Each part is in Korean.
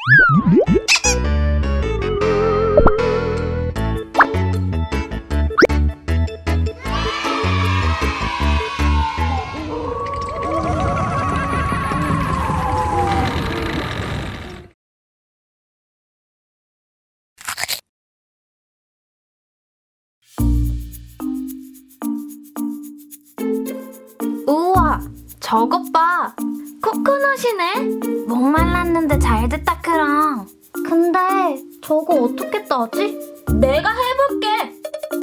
우와, 저것 봐. 코코넛이네. 목말랐는데 잘 됐다, 크랑. 근데 저거 어떻게 따지? 내가 해볼게.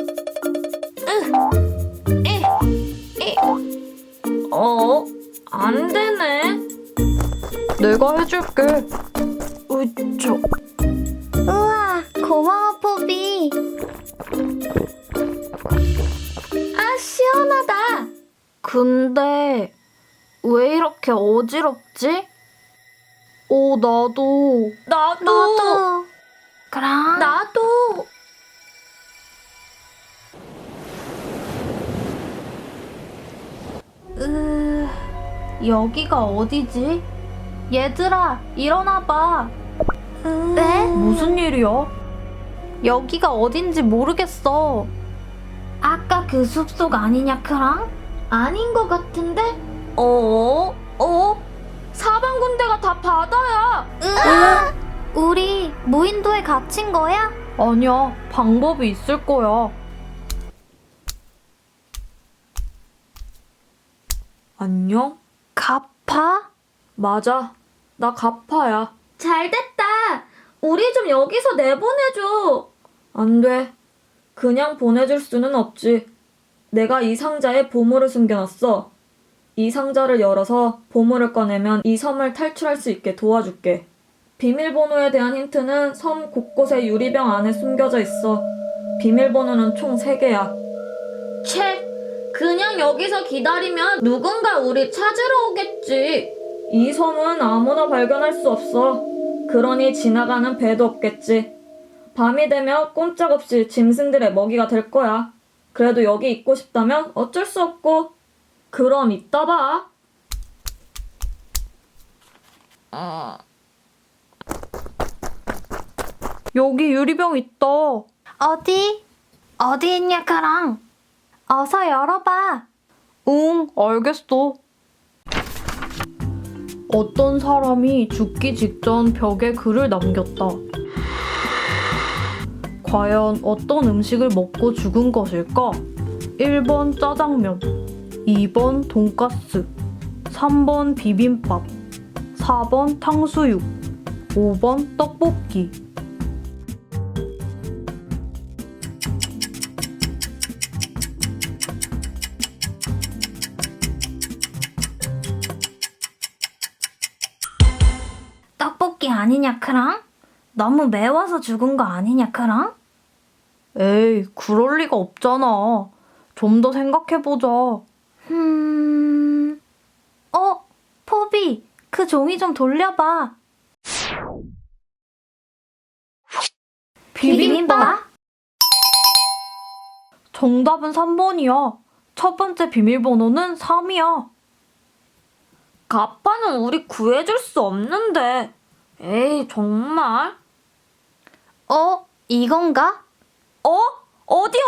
안 되네. 내가 해줄게. 으쌰. 우와, 고마워, 포비. 아, 시원하다. 근데 왜 이렇게 어지럽지? 나도. 나도. 그럼 나도. 여기가 어디지? 얘들아, 일어나봐. 네? 무슨 일이야? 여기가 어딘지 모르겠어. 아까 그 숲속 아니냐, 크랑? 아닌 것 같은데? 사방 군데가 다 바다야. 우리 무인도에 갇힌 거야? 아니야, 방법이 있을 거야. 안녕? 가파? 맞아, 나 가파야. 잘 됐다. 우리 좀 여기서 내보내줘. 안 돼. 그냥 보내줄 수는 없지. 내가 이 상자에 보물을 숨겨놨어. 이 상자를 열어서 보물을 꺼내면 이 섬을 탈출할 수 있게 도와줄게. 비밀번호에 대한 힌트는 섬 곳곳에 유리병 안에 숨겨져 있어. 비밀번호는 총 3개야. 채, 그냥 여기서 기다리면 누군가 우리 찾으러 오겠지. 이 섬은 아무나 발견할 수 없어. 그러니 지나가는 배도 없겠지. 밤이 되면 꼼짝없이 짐승들의 먹이가 될 거야. 그래도 여기 있고 싶다면 어쩔 수 없고. 그럼 이따 봐. 여기 유리병 있다. 어디 있냐, 크랑? 어서 열어봐. 응, 알겠어. 어떤 사람이 죽기 직전 벽에 글을 남겼다. 과연 어떤 음식을 먹고 죽은 것일까? 1번 짜장면, 2번 돈가스, 3번 비빔밥, 4번 탕수육, 5번 떡볶이. 떡볶이 아니냐, 크랑? 너무 매워서 죽은 거 아니냐, 크랑? 에이, 그럴 리가 없잖아. 좀 더 생각해보자. 포비, 그 종이 좀 돌려봐. 비빔밥? 정답은 3번이야. 첫 번째 비밀번호는 3이야. 가파는 우리 구해줄 수 없는데. 에이, 정말? 이건가? 어디?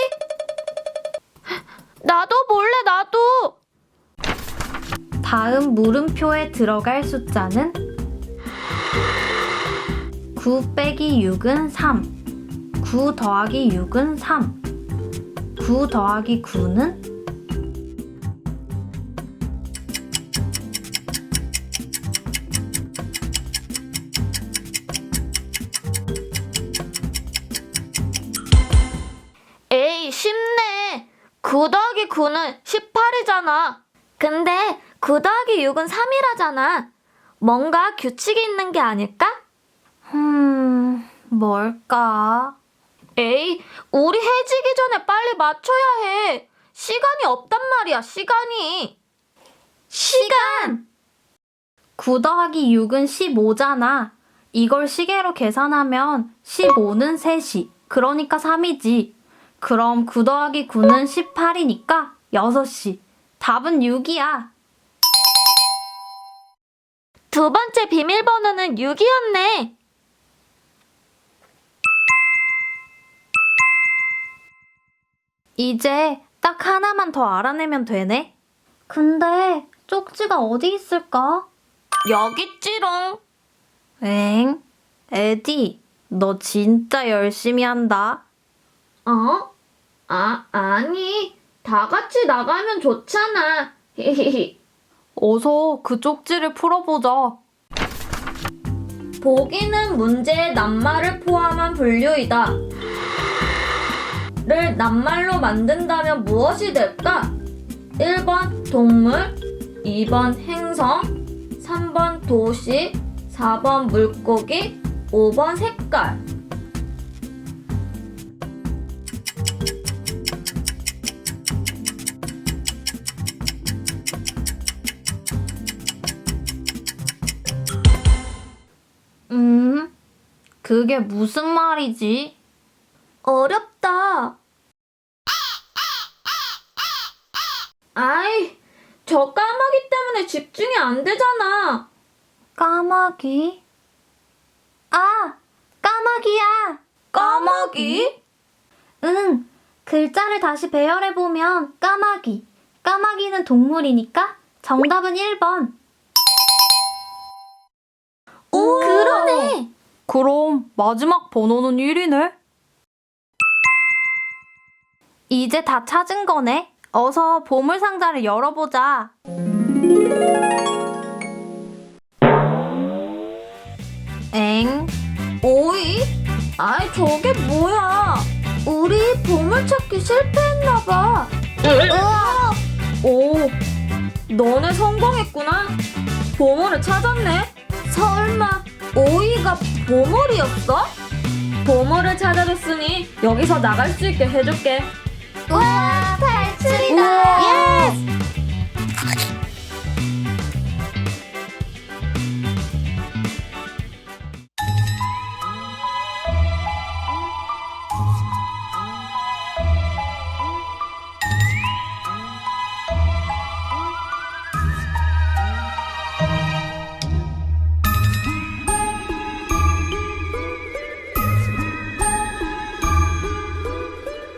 나도 몰래, 나도! 다음 물음표에 들어갈 숫자는 9 빼기 6은 3. 9 더하기 6은 3. 9 더하기 9는? 에이, 쉽네. 9 더하기 9는 18이잖아. 근데 9 더하기 6은 3이라잖아. 뭔가 규칙이 있는 게 아닐까? 뭘까? 에이, 우리 해지기 전에 빨리 맞춰야 해. 시간이 없단 말이야, 시간이. 시간! 9 더하기 6은 15잖아. 이걸 시계로 계산하면 15는 3시. 그러니까 3이지. 그럼 9 더하기 9는 18이니까 6시. 답은 6이야. 두 번째 비밀번호는 6이었네. 이제 딱 하나만 더 알아내면 되네. 근데 쪽지가 어디 있을까? 여기 있지롱. 엥? 에디, 너 진짜 열심히 한다. 어? 아니. 다 같이 나가면 좋잖아. 히히히. 어서 그 쪽지를 풀어보자. 보기는 문제의 낱말을 포함한 분류이다. 를 낱말로 만든다면 무엇이 될까? 1번 동물, 2번 행성, 3번 도시, 4번 물고기, 5번 색깔. 그게 무슨 말이지? 어렵다. 아이, 저 까마귀 때문에 집중이 안 되잖아. 까마귀? 아, 까마귀야. 까마귀? 응, 글자를 다시 배열해보면 까마귀. 까마귀는 동물이니까 정답은 1번. 오, 그러네. 그럼 마지막 번호는 1이네? 이제 다 찾은 거네. 어서 보물상자를 열어보자. 엥? 오이? 아이, 저게 뭐야? 우리 보물찾기 실패했나봐. 오, 너네 성공했구나. 보물을 찾았네. 설마 오이가 보물이었어? 보물을 찾아줬으니 여기서 나갈 수 있게 해줄게. 와, 탈출이다.